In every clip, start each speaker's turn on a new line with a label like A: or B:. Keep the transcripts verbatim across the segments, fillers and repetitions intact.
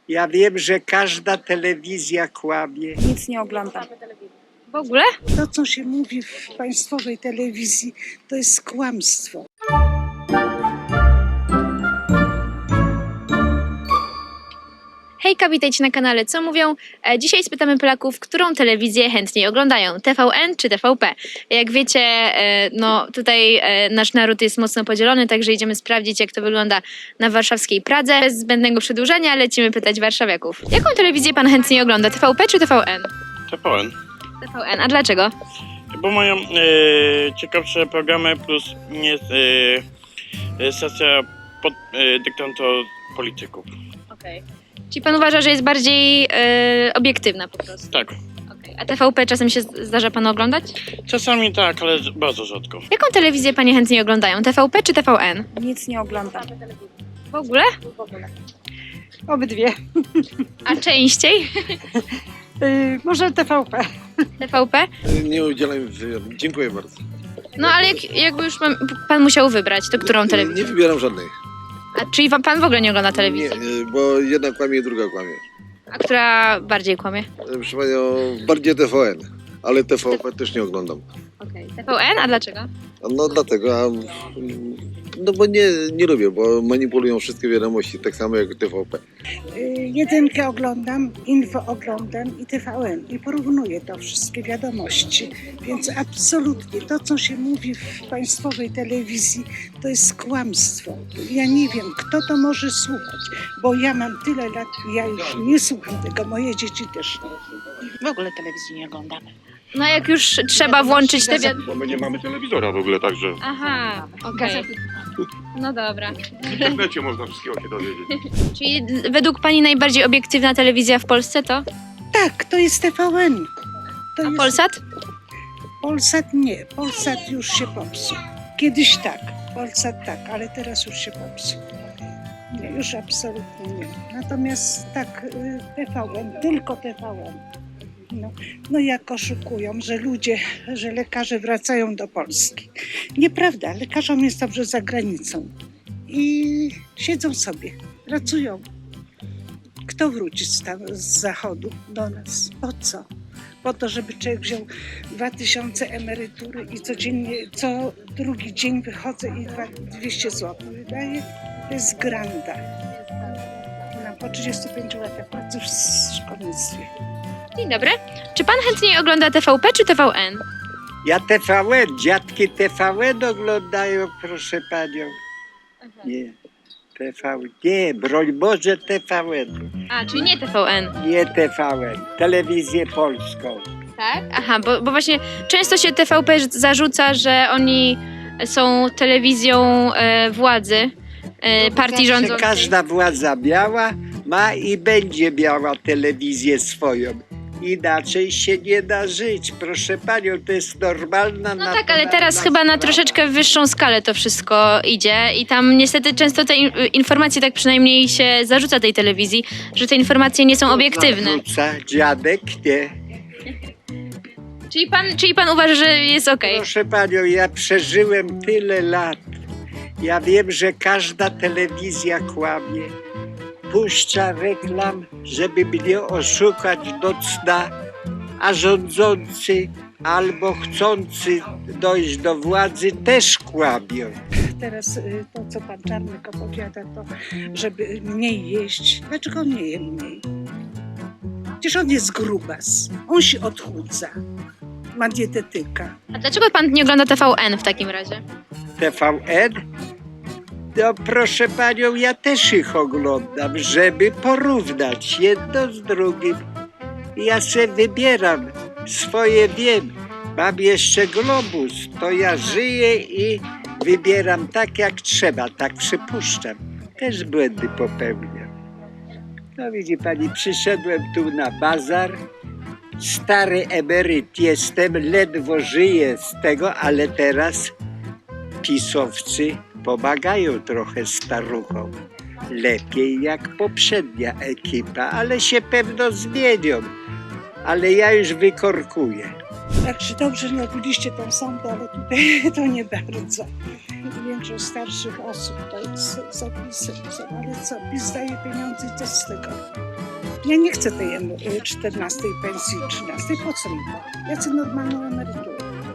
A: Ja wiem, że każda telewizja kłamie.
B: Nic nie oglądam.
C: W ogóle?
B: To, co się mówi w państwowej telewizji, to jest kłamstwo.
C: Hejka, witajcie na kanale Co Mówią? E, Dzisiaj spytamy Polaków, którą telewizję chętniej oglądają, T V N czy T V P? Jak wiecie, e, no tutaj e, nasz naród jest mocno podzielony, także idziemy sprawdzić, jak to wygląda na warszawskiej Pradze. Bez zbędnego przedłużania lecimy pytać warszawiaków. Jaką telewizję pan chętniej ogląda, T V P czy T V N?
D: T V N.
C: T V N, a dlaczego?
D: Bo mają e, ciekawsze programy plus nie e, e, stacja pod e, dyktando polityków.
C: Okej. Czyli pan uważa, że jest bardziej e, obiektywna po prostu?
D: Tak.
C: Okej. A T V P czasem się zdarza panu oglądać?
D: Czasami tak, ale bardzo rzadko.
C: Jaką telewizję panie chętniej oglądają, T V P czy T V N?
B: Nic nie oglądam.
C: W ogóle?
B: Obydwie.
C: A częściej?
B: Yy, może T V P.
C: T V P?
E: Nie udzielam wywiadu. Dziękuję bardzo.
C: No ale jak, jakby już pan, pan musiał wybrać, to którą
E: Nie
C: telewizję?
E: wybieram żadnej.
C: A, czyli wa- pan w ogóle nie ogląda
E: Nie,
C: telewizji?
E: nie, bo jedna kłamie, druga kłamie.
C: A która bardziej kłamie?
E: Proszę panią, bardziej T V N, ale T V P też nie oglądam.
C: Okej. T V N? A dlaczego?
E: No dlatego, a, no bo nie, nie lubię, bo manipulują wszystkie wiadomości, tak samo jak T V P.
B: Yy, jedynkę oglądam, info oglądam i T V N. I porównuję to wszystkie wiadomości. Więc absolutnie to, co się mówi w państwowej telewizji, to jest kłamstwo. Ja nie wiem, kto to może słuchać, bo ja mam tyle lat, ja już nie słucham tego, moje dzieci też nie.
F: W ogóle telewizji nie oglądamy.
C: No jak już trzeba włączyć te wiad...
G: Bo my nie mamy telewizora w ogóle, także
C: Aha, okej. No dobra.
G: w internecie można wszystkiego się dowiedzieć.
C: Czyli d- według pani najbardziej obiektywna telewizja w Polsce to?
B: Tak, to jest T V N. To
C: A
B: jest...
C: Polsat?
B: Polsat nie, Polsat już się popsuł. Kiedyś tak, Polsat tak, ale teraz już się popsuł. Nie, już absolutnie nie. Natomiast tak, y, T V N, tylko T V N. No, no jak oszukują, że ludzie, że lekarze wracają do Polski. Nieprawda, lekarzom jest dobrze za granicą. I siedzą sobie, pracują. Kto wróci z, tam, z zachodu do nas? Po co? Po to, żeby człowiek wziął dwa tysiące emerytury i codziennie, co drugi dzień wychodzę i dwa- dwieście złotych wydaję. To jest granda. No, po trzydziestu pięciu latach pracy w szkolnictwie.
C: Dzień dobry. Czy pan chętniej ogląda T V P czy T V N?
A: Ja T V N, dziadki T V N oglądają, proszę panią. Nie, T V N, nie, broń Boże T V N,
C: A, czyli nie T V N.
A: nie T V N, telewizję polską.
C: Tak? Aha, bo, bo właśnie często się T V P zarzuca, że oni są telewizją e, władzy, e, partii
A: Zawsze
C: rządzącej.
A: każda władza miała, ma i będzie miała telewizję swoją. Inaczej się nie da żyć, proszę panią, to jest normalna...
C: No tak, ale teraz chyba na troszeczkę wyższą skalę to wszystko idzie i tam niestety często te in- informacje, tak przynajmniej się zarzuca tej telewizji, że te informacje nie są obiektywne.
A: Zarzuca, dziadek nie.
C: Czyli pan, czyli pan uważa, że jest okej?
A: Proszę panią, ja przeżyłem tyle lat. Ja wiem, że każda telewizja kłamie. Puszcza reklam, żeby mnie oszukać do cna, a rządzący albo chcący dojść do władzy też kłamią.
B: Teraz y, to, co pan Czarnek opowiada, to żeby mniej jeść. Dlaczego on nie je mniej? Przecież on jest grubas. On się odchudza. Ma dietetyka.
C: A dlaczego pan nie ogląda T V N w takim razie?
A: T V N? No proszę panią, ja też ich oglądam, żeby porównać jedno z drugim. Ja se wybieram, swoje wiem. Mam jeszcze globus, to ja żyję i wybieram tak jak trzeba, tak przypuszczam. Też błędy popełniam. No widzi pani, przyszedłem tu na bazar. Stary emeryt jestem, ledwo żyję z tego, ale teraz pisowcy pomagają trochę staruchom. Lepiej jak poprzednia ekipa, ale się pewno zmienią. Ale ja już wykorkuję.
B: Także dobrze, że robiliście tą sondę, ale tutaj to nie bardzo. Więc że starszych osób to jest zapisy, ale co, PiS daje pieniądze i co z tego? Ja nie chcę tej em- czternastej pensji, trzynastej, po co mi to? Ja chcę normalną emeryturę.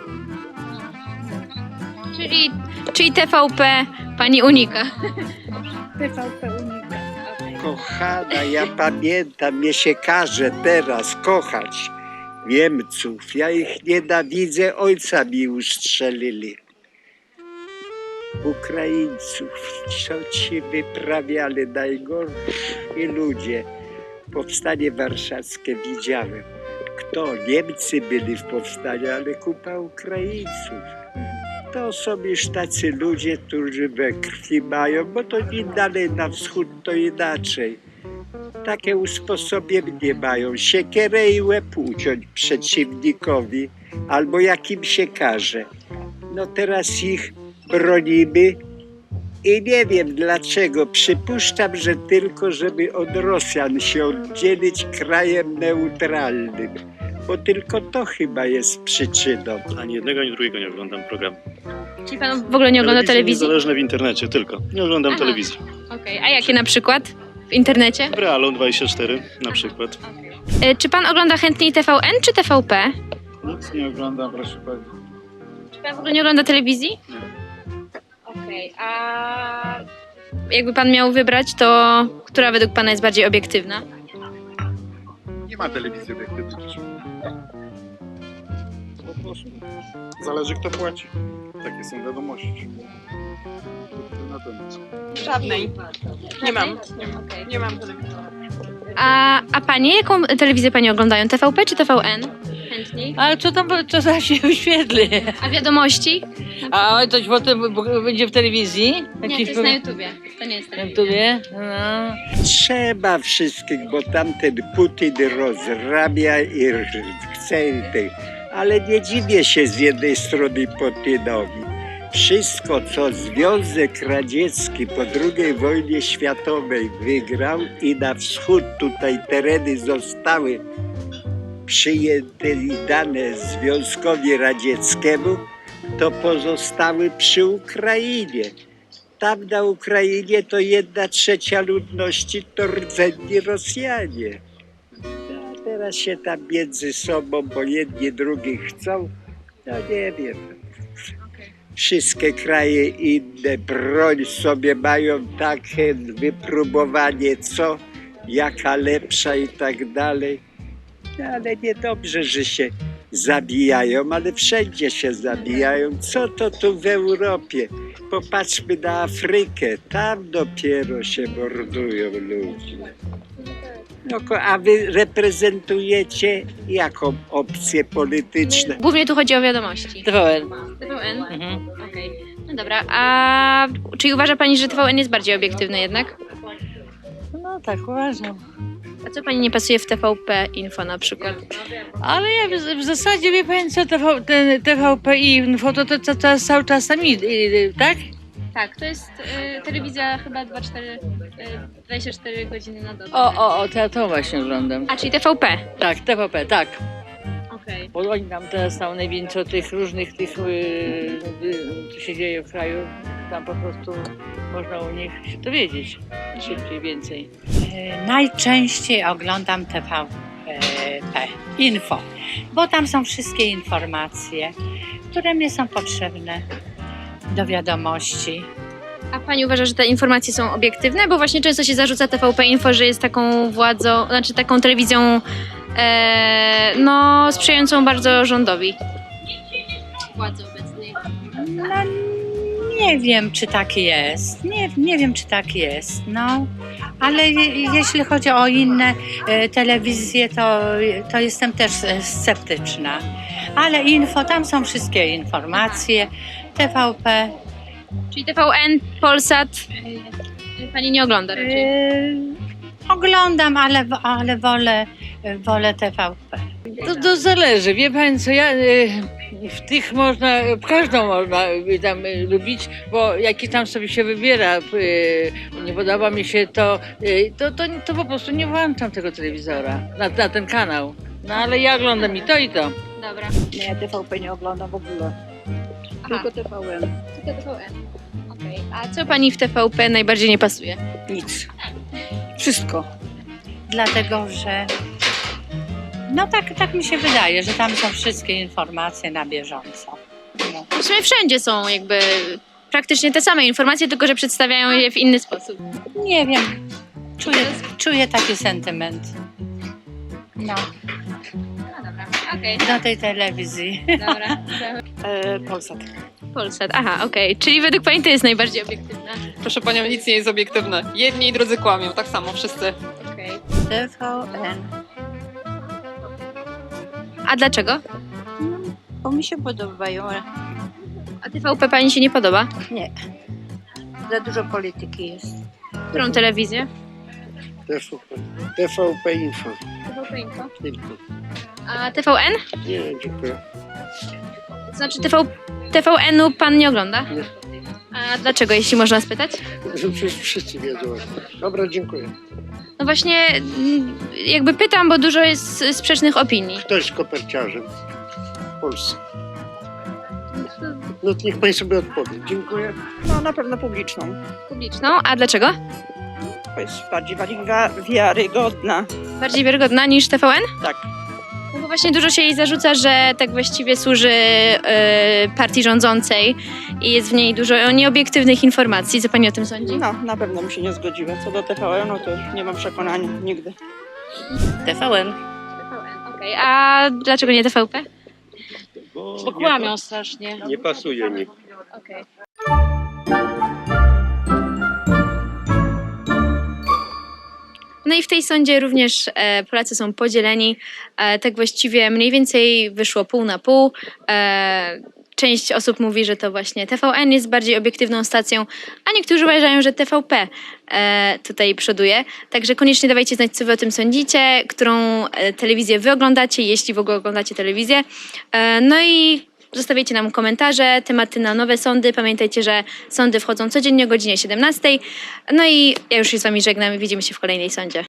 C: Czyli, czyli T V P pani unika.
B: T V P unika.
A: Kochana, ja pamiętam, mnie się każe teraz kochać Niemców. Ja ich nienawidzę, ojca mi ustrzelili. Ukraińców, co ci wyprawiali najgorsi ludzie. Powstanie warszawskie widziałem. Kto? Niemcy byli w powstaniu, ale kupa Ukraińców. To są już tacy ludzie, którzy we krwi mają, bo to im dalej na wschód to inaczej. Takie usposobienie mają, siekierę i łeb uciąć przeciwnikowi, albo jakim się każe. No teraz ich bronimy i nie wiem dlaczego. Przypuszczam, że tylko żeby od Rosjan się oddzielić krajem neutralnym, bo tylko to chyba jest przyczyną.
F: Ani jednego, ani drugiego nie oglądam programu.
C: Czyli pan w ogóle nie ogląda telewizji?
F: Niezależne w internecie tylko. Nie oglądam
C: Aha.
F: telewizji.
C: Okej, a jakie na przykład? W internecie?
F: W Realu dwadzieścia cztery na przykład.
C: E, Czy pan ogląda chętniej T V N czy T V P?
H: Nic nie oglądam, proszę pani.
C: Czy pan w ogóle nie ogląda telewizji? Nie. Okej, a jakby pan miał wybrać, to która według pana jest bardziej obiektywna?
H: Nie ma telewizji obiektywnej. Po prostu. Zależy kto płaci. Takie są wiadomości. Na temat.
I: Żadnej. Nie mam. Nie mam,
C: Okej.
I: nie mam telewizora.
C: A, a panie, jaką telewizję pani oglądają? T V P czy T V N? Chętniej.
I: Ale co tam, co tam się wyświetli?
C: A wiadomości?
I: A coś potem b- będzie w telewizji?
C: Nie, to jest na YouTubie. To nie jest
I: Na
C: telewizja.
I: YouTubie? No.
A: Trzeba wszystkich, bo tamten Putin rozrabia i chce tych. Ale nie dziwię się z jednej strony Putinowi. Wszystko, co Związek Radziecki po drugiej wojnie światowej wygrał i na wschód tutaj tereny zostały przyjęte i dane Związkowi Radzieckiemu, to pozostały przy Ukrainie. Tam na Ukrainie to jedna trzecia ludności to rdzenni Rosjanie. A teraz się tam między sobą, bo jedni drugich chcą, no nie wiem. Wszystkie kraje inne broń sobie mają takie wypróbowanie, co, jaka lepsza i tak dalej. No, ale niedobrze, że się zabijają, ale wszędzie się zabijają. Co to tu w Europie? Popatrzmy na Afrykę, tam dopiero się mordują ludzie. No, ko- a wy reprezentujecie jaką opcję polityczną?
C: Głównie tu chodzi o wiadomości.
I: T V N.
C: T V N?
I: Mhm.
C: Okej. No dobra, a czy uważa pani, że T V N jest bardziej obiektywny jednak?
I: No tak, uważam.
C: A co pani nie pasuje w T V P Info na przykład?
I: Ale ja w, w zasadzie wie pani co, T V, ten T V P Info to, to, to, to jest cały czas tam, i- i- tak?
C: Tak, to jest y, telewizja chyba dwadzieścia cztery, y, dwadzieścia cztery godziny na dobę.
I: O, o, o, to, to właśnie oglądam.
C: A, czyli T V P.
I: Tak, T V P, tak.
C: Okej.
I: Bo oni tam teraz tam najwięcej tych różnych tych, yy, yy, co się dzieje w kraju. Tam po prostu można u nich się dowiedzieć szybciej, więcej.
J: E, Najczęściej oglądam T V P Info, bo tam są wszystkie informacje, które mi są potrzebne do wiadomości.
C: A pani uważa, że te informacje są obiektywne? Bo właśnie często się zarzuca T V P Info, że jest taką władzą, znaczy taką telewizją e, no sprzyjającą bardzo rządowi. Władzy obecnej.
J: No, nie wiem, czy tak jest. Nie, nie wiem, czy tak jest. No, ale je, jeśli chodzi o inne e, telewizje, to, to jestem też e, sceptyczna. Ale info, tam są wszystkie informacje. T V P.
C: Czyli T V N, Polsat y, pani nie ogląda raczej.
J: E, oglądam, ale, ale wolę, wolę T V P.
I: To, to zależy, wie pani co, ja y, w tych można, każdą można y, tam y, lubić, bo jaki tam sobie się wybiera, y, nie podoba mi się to, y, to, to, to po prostu nie włączam tego telewizora na, na ten kanał. No ale ja oglądam i to i to.
C: Dobra.
B: Nie, T V P nie oglądam w ogóle.
C: Aha.
B: Tylko T V N.
C: Tylko T V N. Okej. A co pani w T V P najbardziej nie pasuje?
B: Nic. Wszystko.
J: Dlatego, że no tak, tak mi się wydaje, że tam są wszystkie informacje na bieżąco. No.
C: W sumie wszędzie są jakby praktycznie te same informacje, tylko że przedstawiają je w inny sposób.
J: Nie wiem, czuję, czuję taki sentyment. No,
C: No dobra, okej,
J: do tej telewizji.
C: dobra.
B: E, Polsat.
C: Polsat, aha, okej. Czyli według pani to jest najbardziej obiektywna.
K: Proszę panią, nic nie jest obiektywne. Jedni i drudzy kłamią, tak samo wszyscy.
C: Okej.
J: T V N,
C: A dlaczego?
J: bo mi się podobają.
C: A T V P pani się nie podoba?
J: Za dużo polityki jest.
C: Którą telewizję?
A: T V P. T V P Info.
C: T V P Info.
A: Tylko.
C: A T V N?
A: Nie, dziękuję.
C: To znaczy T V, T V N-u pan nie ogląda?
A: Nie.
C: A dlaczego, jeśli można spytać?
A: Przecież wszyscy wiedzą. Dobra, dziękuję.
C: No właśnie, mm, jakby pytam, bo dużo jest sprzecznych opinii.
A: Kto jest koperciarzem w Polsce? No to niech pani sobie odpowie. Dziękuję.
B: No na pewno publiczną.
C: Publiczną, a dlaczego?
B: To jest bardziej wiarygodna.
C: Bardziej wiarygodna niż T V N?
B: Tak.
C: No bo właśnie dużo się jej zarzuca, że tak właściwie służy e, partii rządzącej i jest w niej dużo nieobiektywnych informacji. Co pani o tym sądzi?
B: No, na pewno bym się nie zgodziła. Co do T V N, no to nie mam przekonania nigdy.
J: T V N.
C: T V N, okej. A dlaczego nie T V P?
I: Bo kłamią strasznie.
A: Nie pasuje mi.
C: Okej. No i w tej sądzie również e, Polacy są podzieleni. E, tak właściwie mniej więcej wyszło pół na pół. E, część osób mówi, że to właśnie T V N jest bardziej obiektywną stacją, a niektórzy uważają, że T V P e, tutaj przoduje. Także koniecznie dawajcie znać, co wy o tym sądzicie, którą e, telewizję wy oglądacie, jeśli w ogóle oglądacie telewizję. E, no i zostawiajcie nam komentarze, tematy na nowe sądy. Pamiętajcie, że sądy wchodzą codziennie o godzinie siedemnastej. No i ja już się z wami żegnam i widzimy się w kolejnej sądzie.